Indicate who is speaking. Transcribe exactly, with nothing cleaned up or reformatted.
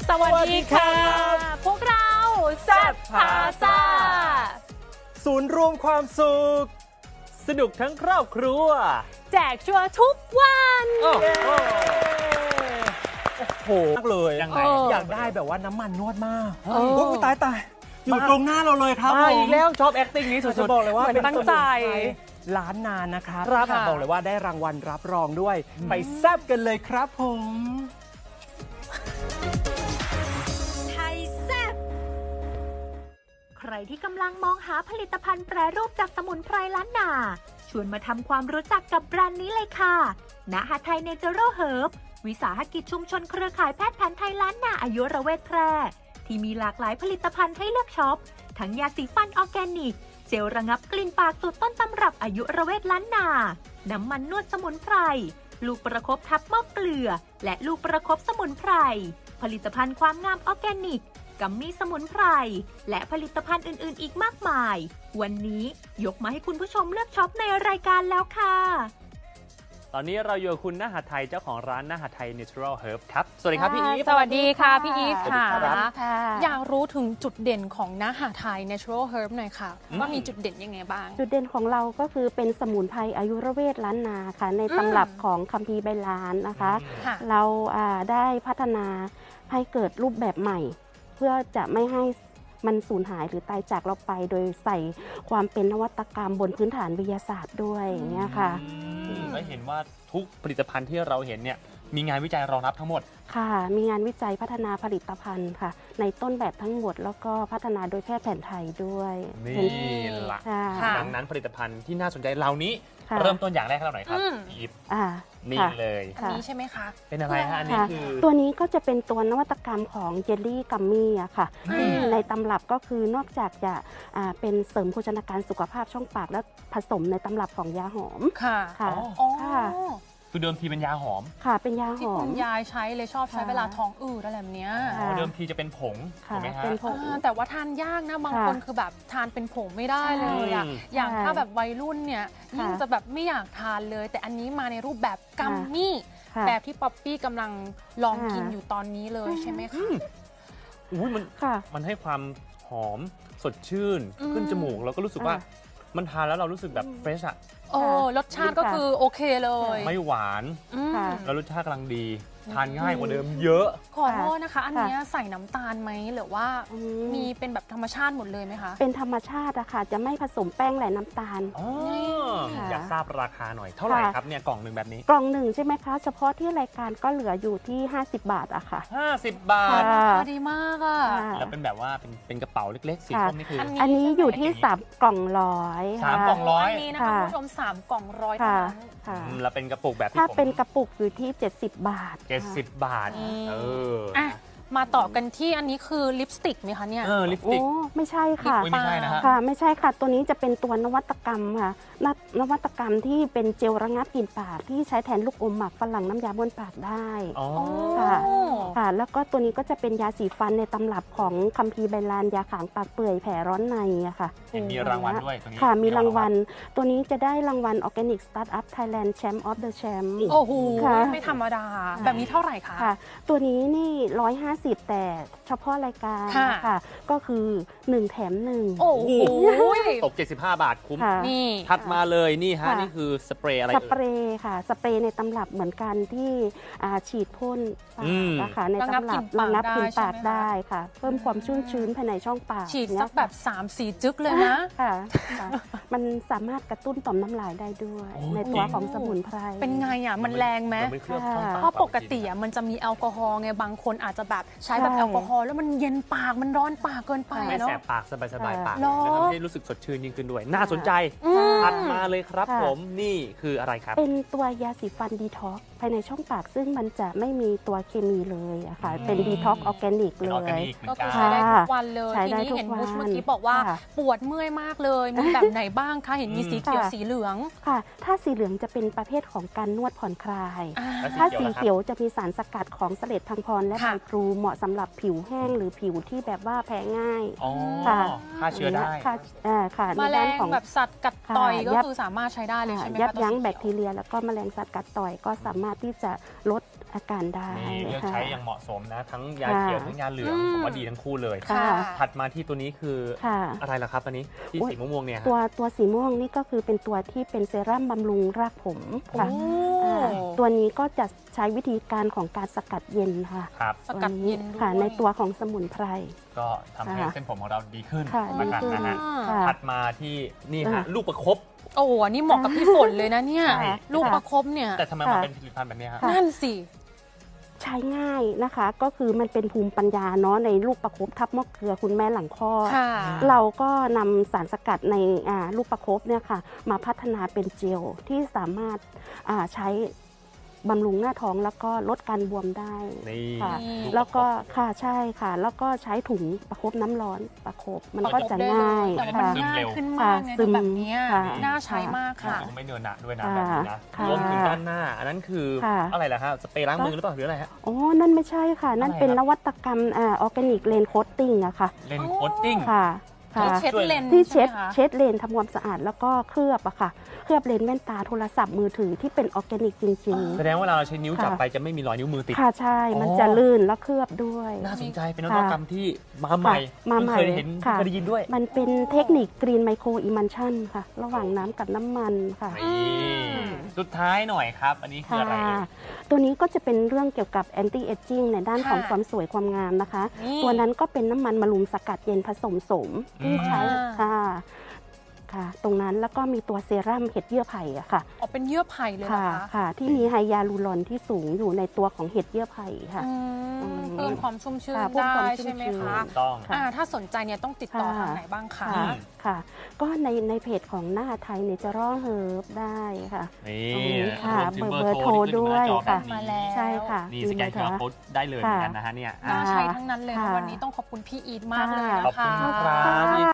Speaker 1: สวัสดีค่ะพวกเราแซ่บพาซ่า
Speaker 2: ศูนย์รวมความสุขสนุกทั้งครอบครัว
Speaker 1: แจกชัวร์ทุกวัน
Speaker 2: โอ้โหมากเลย
Speaker 3: ยังไง
Speaker 2: อยากได้แบบว่าน้ำมันนวดมาก
Speaker 3: โอ้ยตายตายอยู่ตรงหน้าเราเลยครับ
Speaker 2: ผมอีกแล้วชอบ acting นี้สุดๆบอกเลยว่า
Speaker 1: เป็นตั้งใจ
Speaker 2: ล้านนานนะครับบอกเลยว่าได้รางวัลรับรองด้วยไปแซ่บกันเลยครับผม
Speaker 4: ไทยแซ่บใครที่กำลังมองหาผลิตภัณฑ์แปรรูปจากสมุนไพรล้านนาชวนมาทำความรู้จักกับแบรนด์นี้เลยค่ะณหทัยเนเจอรัลเฮิร์บวิสาหกิจชุมชนเครือข่ายแพทย์แผนไทยล้านนาอายุรเวทแพร่ที่มีหลากหลายผลิตภัณฑ์ให้เลือกช็อปทั้งยาสีฟันออร์แกนิกเจลระงับกลิ่นปากสูตรต้นตำรับอายุรเวทล้านนาน้ำมันนวดสมุนไพรลูกประคบทับหม้อเกลือและลูกประคบสมุนไพรผลิตภัณฑ์ความงามออร์แกนิกกัมมี่สมุนไพรและผลิตภัณฑ์อื่นๆอีกมากมายวันนี้ยกมาให้คุณผู้ชมเลือกช็อปในรายการแล้วค่ะ
Speaker 2: ตอนนี้เราอยู่กับคุณณหทัยเจ้าของร้านณหทัย Natural Herb ครับสวัสดีครับพี่อีฟ
Speaker 1: สวัสดีค่ะพี่อีฟค่ะ
Speaker 5: อยากรู้ถึงจุดเด่นของณหทัย Natural Herb หน่อยค่ะว่ามีจุดเด่นยังไงบ้าง
Speaker 6: จุดเด่นของเราก็คือเป็นสมุนไพรอายุรเวทล้านนาค่ะในตำรับของคัมภีร์ใบลานนะคะเราได้พัฒนาให้เกิดรูปแบบใหม่เพื่อจะไม่ให้มันสูญหายหรือตายจากเราไปโดยใส่ความเป็นนวัตกรรมบนพื้นฐานวิทยาศาสตร์ด้วยอย่างเงี้ยค่ะ
Speaker 2: ไม่เห็นว่าทุกผลิตภัณฑ์ที่เราเห็นเนี่ยมีงานวิจัยรองรับทั้งหมด
Speaker 6: ค่ะมีงานวิจัยพัฒนาผลิตภัณฑ์ค่ะในต้นแบบทั้งหมดแล้วก็พัฒนาโดยแพทย์แผนไทยด้วย
Speaker 2: นี่แหละดังนั้นผลิตภัณฑ์ที่น่าสนใจเหล่านี้เริ่มต้นอย่างแรกเราหน่อยครับอีฟนี่เลย
Speaker 5: อันนี้ใช่ไหมคะ
Speaker 2: เป็นอะไรฮะอันนี้คือ
Speaker 6: ตัวนี้ก็จะเป็นตัวนวัตกรรมของเจลลี่กัมมี่อะค่ะในตำรับก็คือนอกจากจะเป็นเสริมโภชนาการสุขภาพช่องปากแล้วผสมในตำรับของยาหอม
Speaker 5: ค่ะ
Speaker 6: ค่ะ
Speaker 2: คือเดิมทีเป็นยาหอม
Speaker 6: ค่ะเป็นยาหอม
Speaker 5: ที่คุณยายใช้เลยชอบใช้เวลาท้องอืดอะไรแบบนี้
Speaker 2: เดิมทีจะเป็นผงถูกไหมฮะ
Speaker 6: เป็นผง
Speaker 5: แต่ว่าทานยากนะบางคนคือแบบทานเป็นผงไม่ได้เลยอ่ะอย่างถ้าแบบวัยรุ่นเนี่ยยิ่งจะแบบไม่อยากทานเลยแต่อันนี้มาในรูปแบบกัมมี่แบบที่ป๊อปปี้กำลังลองกินอยู่ตอนนี้เลยใช่ไหมคะ
Speaker 2: อุ้ยมันมันให้ความหอมสดชื่นขึ้นจมูกแล้วก็รู้สึกว่ามันทานแล้วเรารู้สึกแบบเฟรชอะ
Speaker 5: โอ้รสชาติก็คือโอเคเลย
Speaker 2: ไม่หวานแล้วรสชาติกำลังดีทานง่ายกว่าเดิมเยอะ
Speaker 5: ขอโทษนะคะอันนี้ใส่น้ำตาลไหมหรือว่ามีเป็นแบบธรรมชาติหมดเลยไหมคะ
Speaker 6: เป็นธรรมชาติอะค่ะจะไม่ผสมแป้งและน้ำตาล
Speaker 2: อยากทราบราคาหน่อยเท่าไหร่ครับเนี่ยกล่องหนึ่งแบบนี้
Speaker 6: กล่องหนึ่งใช่ไหมคะเฉพาะที่รายการก็เหลืออยู่ที่ห้าสิบบาทอะค่ะ
Speaker 2: ห้าสิบบาท
Speaker 5: ดีมากอะ
Speaker 2: แล้วเป็นแบบว่าเป็นเป็นกระเป๋าเล็กๆสีส้มนี่คือ
Speaker 6: อันนี้อยู่ที่สามกล่องร้อย
Speaker 2: สามกล่องร้อย
Speaker 5: นี้นะคะคุณผู้ชมสามกล่องร้อย
Speaker 6: ค่ะ
Speaker 2: แล้วเป็นกระปุกแบบ
Speaker 6: ถ้าเป็นกระปุกอยู่ที่เจ็ดสิบบาท
Speaker 2: เจ็ดสิบบาทเออ
Speaker 5: มาต่อกันที่อันนี้คือลิปสติกไหมคะเนี่ย
Speaker 2: เออลิปสติก
Speaker 6: ไม่ใช่ค่ะ
Speaker 2: ไม่ใช่นะฮะ
Speaker 6: ค่ะไม่ใช่ค่ะตัวนี้จะเป็นตัวนวัตกรรมค่ะนวัตกรรมที่เป็นเจลระงับกลิ่นปากที่ใช้แทนลูกอมหมักฝรั่งน้ำยาบ้วนปากได้ค่ะค่ะแล้วก็ตัวนี้ก็จะเป็นยาสีฟันในตำรับของคัมภีร์ใบลานยาขางปากเปื่อยแผลร้อนในอะค่ะ
Speaker 2: มีรางวัลด้วยตัวนี้
Speaker 6: ค่ะมีรางวัลตัวนี้จะได้รางวัล Organic Startup Thailand Champ of the Champ
Speaker 5: โอ้โหไม่ธรรมดาแบบนี้เท่าไหร่คะ
Speaker 6: ค่ะตัวนี้นี่ร้อยห้าสิบแต่เฉพาะรายการค่ะก็คือหนึ่งแถมหนึ่ง
Speaker 5: โอ้โห
Speaker 2: ตกเจ็ดสิบห้าบาทคุ้มนี่ถัดมาเลยนี่ฮะนี่คือสเปรย์อะไร
Speaker 6: สเปรย์ค่ะสเปรย์ในตำรับเหมือนกันที่ฉีดพ่นปากนะคะในตำรับระงับกลิ่นปากได้ค่ะเพิ่มความชุ่มชื้นภายในช่องปาก
Speaker 5: ฉีดสักแบบ สามสี่ จึ๊กเลยนะ
Speaker 6: ค่ะมันสามารถกระตุ้นต่อมน้ำลายได้ด้วยในตัวของสมุนไพร
Speaker 5: เป็นไงอ่ะมันแรงไหมเพราะปกติอ่ะมันจะมีแอลกอฮอล์ไงบางคนอาจจะแบบใช้แบบแอลกอฮอล์แล้วมันเย็นปากมันร้อนปากเกินไป
Speaker 2: เนาะไม่แสบปากสบายๆปากจะทำให้รู้สึกสดชื่นยิ่งขึ้นด้วยน่าสนใจถัดมาเลยครับผมนี่คืออะไรครับ
Speaker 6: เป็นตัวยาสีฟันดีท็อกภายในช่องปากซึ่งมันจะไม่มีตัวเคมีเลยอะค่ะเป็นดีท็อกออร์แกนิกเลย
Speaker 5: ก็คือใช้ได้ทุกวันเลยทีนี้เห็นบุชเมื่อกี้บอกว่าปวดเมื่อยมากเลยมีแบบไหนบ้างคะเห็นมีสีเขียวสีเหลือง
Speaker 6: ค่ะถ้าสีเหลืองจะเป็นประเภทของการนวดผ่อนคลายถ้าสีเขียวจะมีสารสกัดของเสลดพังพรและใบพลูเหมาะสำหรับผิวแห้งหรือผิวที่แบบว่าแพ้ง่าย
Speaker 2: ค่ะฆ่าเชื้อได้
Speaker 6: ค่ะค่ะ
Speaker 5: แมลงแบบสัตว์กัด
Speaker 6: ค่ะ
Speaker 5: ต่อยก็
Speaker 6: ยับ
Speaker 5: คือสามารถใช้ได้เลยใช่ไหมคะ
Speaker 6: ยับยั้ง
Speaker 5: ตัวสี
Speaker 6: แบค
Speaker 5: เขี
Speaker 6: ที
Speaker 5: ยว
Speaker 6: เรีย แล้วก็แมลงสัตว์กัดต่อยก็สามารถที่จะลดอาการได้
Speaker 2: นี่เลือก
Speaker 6: ค่ะ
Speaker 2: ใช้อย่างเหมาะสมนะ ทั้งยา
Speaker 6: ค่ะ
Speaker 2: เขียวทั้งยาเหลือง
Speaker 5: อืม
Speaker 2: ผมว่าดีทั้งคู่เลย
Speaker 6: ค่ะ
Speaker 2: ถัดมาที่ตัวนี้คือ
Speaker 6: ค่ะ
Speaker 2: อะไรล่ะครับอันนี้ที่
Speaker 6: โอ๊ย
Speaker 2: สีม่วงๆเนี่ยฮะ
Speaker 6: ตัวตัวสีม่วงนี่ก็คือเป็นตัวที่เป็นเซรั่มบำรุงรากผมค่ะ
Speaker 5: โอ้
Speaker 6: อ่าตัวนี้ก็จะใช้วิธีการของการสกัดเย็นค่ะ
Speaker 2: ครับ
Speaker 5: สกัดเย็นด้วย
Speaker 6: ค่ะในตัวของสมุนไพร
Speaker 2: ก็ทำให้
Speaker 6: ค่ะ
Speaker 2: เส้นผมของเราดีขึ้น
Speaker 6: ค่ะ
Speaker 2: ละกัน
Speaker 6: ดีขึ้น
Speaker 2: นะฮะ
Speaker 6: ค่ะ
Speaker 2: ถัดมาที่นี่ฮะ
Speaker 6: ค่ะ
Speaker 2: ลูกประคบ
Speaker 5: โอ้โหอันนี่เหมาะกับพี่ฝนเลยนะเนี่ย
Speaker 2: ใช่
Speaker 5: ลูกประคบเนี่ย
Speaker 2: แต่ทำไมมันเป็นผลิตภัณฑ์แบบนี้ฮะ
Speaker 5: นั่นสิ
Speaker 6: ใช้ง่ายนะคะ ก็คือมันเป็นภูมิปัญญาเนาะในลูกประคบทับมะเกลือคุณแม่หลังคลอด
Speaker 5: ค่ะ
Speaker 6: เราก็นำสารสกัดในอ่าลูกประคบเนี่ยค่ะมาพัฒนาเป็นเจลที่สามารถอ่าใช้บำรุงหน้าท้องแล้วก็ลดการบวมได้
Speaker 2: นี่
Speaker 6: ค่ะ
Speaker 5: นี่
Speaker 6: แล้วก็ค่ะใช่ค่ะ แล้วก็ใช้ถุงประคบน้ำร้อนประคบมันก็จะง่าย
Speaker 5: แต่ว่ามัน
Speaker 6: ค่ะ
Speaker 5: ง่ายขึ้นมากเลย
Speaker 6: ซึม
Speaker 5: แบบเนี้ย
Speaker 6: ค่ะ
Speaker 5: น่าใช้มากค่ะ
Speaker 2: คงไม่เนินหนะด้วยนะ
Speaker 6: ค่ะ
Speaker 2: แบบนี้นะ
Speaker 6: ค่ะ
Speaker 2: รวมถึงด้านหน้า อันนั้นคือ
Speaker 6: ค่ะ
Speaker 2: อะไรล่ะฮะสเปรย์ล้างมือหรือเปล่าหรืออะไรฮะ
Speaker 6: อ๋อ นั่นไม่ใช่ค่ะ นั่น
Speaker 2: อะไร
Speaker 6: เป็น
Speaker 2: ครับ
Speaker 6: นวัตกรรมอ่าออร์แกนิกเลนโคตติ้งอะค่ะ
Speaker 2: เลนส์โคตติ้ง
Speaker 6: ค่ะค่ะ
Speaker 5: ที่เช็ดเลนส์
Speaker 6: ที่เช็ด
Speaker 5: ใช่ไหมคะ
Speaker 6: เช็ดเลนทำความสะอาดแล้วก็เคลือบอะค่ะ เคลือบเลนแว่นตาโทรศัพท์มือถือที่เป็นออร์แกนิกจริง
Speaker 2: แสดงว่าเราใช้นิ้วจับ
Speaker 6: ค่ะ
Speaker 2: ไปจะไม่มีรอยนิ้วมือติด
Speaker 6: ๆ ค่ะใช่ มัน
Speaker 2: อ๋อ
Speaker 6: จะลื่นแล้วเคลือบด้วย
Speaker 2: น่าสนใจเป็นน
Speaker 6: ค่ะ
Speaker 2: วัตกรรมที่มาใหม่
Speaker 6: มาใหม่
Speaker 2: เพิ่งเคยเห็น
Speaker 6: ค่ะ
Speaker 2: เคยได้ยินด้วย
Speaker 6: มันเป็นเทคนิคกรีนไมโครอิมันชันค่ะ ระหว่างน้ำกับน้ำมันค่ะ
Speaker 2: นี่สุดท้ายหน่อยครับ อันนี้คือ
Speaker 6: ค่ะ
Speaker 2: อะไรเอ่ย
Speaker 6: ตัวนี้ก็จะเป็นเรื่องเกี่ยวกับแอนตี้เอจจิ้งในด้าน
Speaker 5: ค่ะ
Speaker 6: ของความสวยความงามนะคะ
Speaker 5: นี่
Speaker 6: ตัวนั้นก็เป็นน้ำมันมะรุมสกัดเย็นผสมโสมที่ใช้
Speaker 5: อ่า
Speaker 6: ค่ะค่ะ ตรงนั้นแล้วก็มีตัวเซรั่มเห็ดเยื่อไผ่อะค่ะ
Speaker 5: ออกเป็นเยื่อไผ่เลยเหรอ
Speaker 6: ค่ะ
Speaker 5: คะ
Speaker 6: ค่ะ ที่มีไฮยาลูรอนที่สูงอยู่ในตัวของเห็ดเยื่อไผ่ค่ะ
Speaker 5: อืม
Speaker 6: อืม
Speaker 5: เพิ่มความชุ่มชื้น
Speaker 6: ค่ะเพิ่ม
Speaker 5: ได้
Speaker 6: ความชุ่ม
Speaker 5: ใช่ไหม
Speaker 6: ชื้น
Speaker 5: คะ
Speaker 2: ถูกต้อง
Speaker 6: ค่ะ
Speaker 5: อ่าถ้าสนใจเนี่ยต้องติดต่อ
Speaker 6: ค่ะ
Speaker 5: ทางไหนบ้างคะ
Speaker 6: ค่ะค่ะ ก็ในในเพจของหน้าไทยเนเจอรัลเฮิร์บได้ค่ะ
Speaker 2: นี่
Speaker 6: ตรงนี้ค่ะ
Speaker 2: รวมถึง
Speaker 6: เบอร์โทร
Speaker 2: ที่ขึ้นอยู่หน้า
Speaker 6: ด้วย
Speaker 2: จอ
Speaker 6: ค่ะ
Speaker 2: แบบนี้
Speaker 5: มาแล้ว
Speaker 6: ใช่ค่ะ
Speaker 2: นี่สแกน คิว อาร์ โค้ดได้เลยเหมือนกันนะฮะเนี่ย
Speaker 5: น่าใช้ทั้งนั้นเลยนะ
Speaker 6: ค่ะ
Speaker 5: วันนี้ต้องขอบคุณพี่อีทมากเลยนะ
Speaker 2: ขอบคุณ
Speaker 5: คะ
Speaker 2: ครับ